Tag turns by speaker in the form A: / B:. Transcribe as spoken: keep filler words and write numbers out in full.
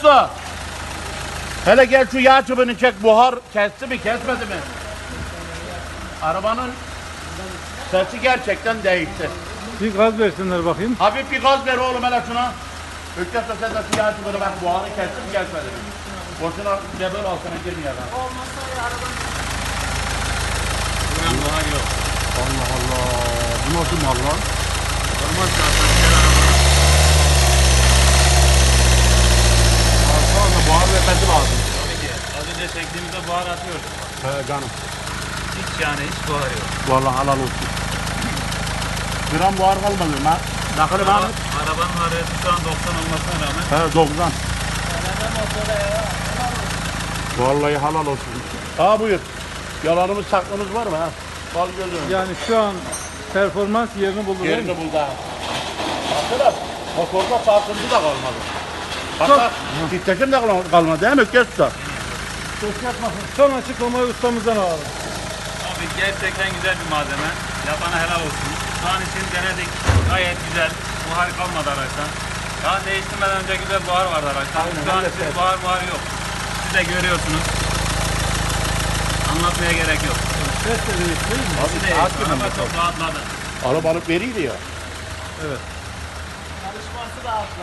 A: Usta. Hele gel şu yağ çubuğunu çek. Buhar kesti mi kesmedi mi? Arabanın sesi gerçekten değişti.
B: Bir gaz versinler bakayım.
A: Hafif bir gaz ver oğlum hele şuna. Öktes sen de şu yağ çubuğunu bak buharı kesti mi kesmedi mi? Boşuna cebel altına girmiyor lan.
C: Buran buhar yok.
A: Allah Allah. Bu nasıl mal lan?
C: Normal şartlar gel araba.
A: Aslında buhar vermesi lazım.
C: Tabii ki. Az önce çektiğimizde buhar atıyordu.
A: He canım.
C: Hiç yani hiç buhar yok.
A: Vallahi halal olsun. Gram buhar kalmadı lan. Nakılı
C: Araba,
A: ben.
C: arabanın harareti şu an doksan olmasına rağmen.
A: He doksan. Vallahi halal olsun. Ha buyur. Yalanımız saklımız var mı ha? Bal gözüm.
B: Yani şu an performans yerini buldu. değil mi?
A: Yerini buldu ha. Baksana motorda sarsıntı da kalmadı.
B: Çok-
A: Hatta titreşim de kalmadı, kalmadı değil mi Öktes Usta?
B: Son açıklamayı ustamızdan alalım.
C: Abi gerçekten güzel bir malzeme. Yapana helal olsun. Şu an için denedik. Gayet güzel. Buhar kalmadı araçtan. Daha değiştirmeden önce güzel buhar vardı araçtan.
A: Aynen,
C: Şu an
A: evet,
C: için
A: evet.
C: buhar buhar yok. Siz de görüyorsunuz. Anlatmaya gerek yok.
B: Ses de değişti değil mi?
C: Siz de
A: hakikaten
C: araba
A: bakalım.
C: çok rahatladı.
A: Arabanın veriydi ya.
B: Evet.